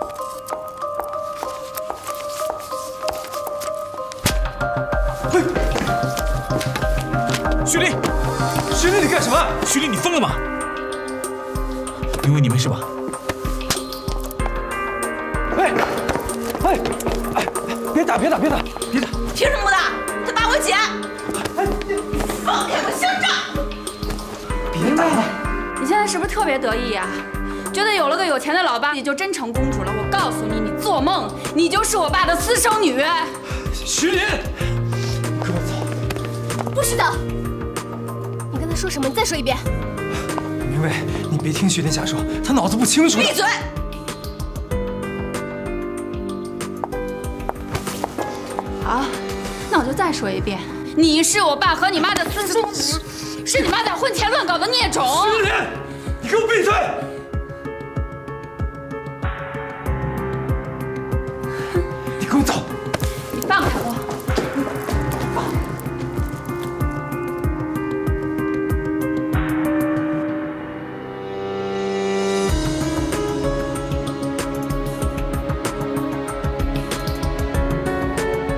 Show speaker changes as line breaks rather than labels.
嘿，徐丽，徐丽，你干什么？徐丽，你疯了吗？因为你没事吧？哎，别打！凭
什么打？他打我姐！放开我兄长！
别打了！
你现在是不是特别得意呀？觉得有了个有钱的老爸，你就真成公主了？我告诉你，你做梦！你就是我爸的私生女！
徐林，你跟我走！
不许走！你刚才说什么？你再说一遍。
明薇，你别听徐林瞎说，他脑子不清楚。
闭嘴！好，那我就再说一遍，你是我爸和你妈的私生女，是你妈在婚前乱搞的孽种。
徐林，你给我闭嘴！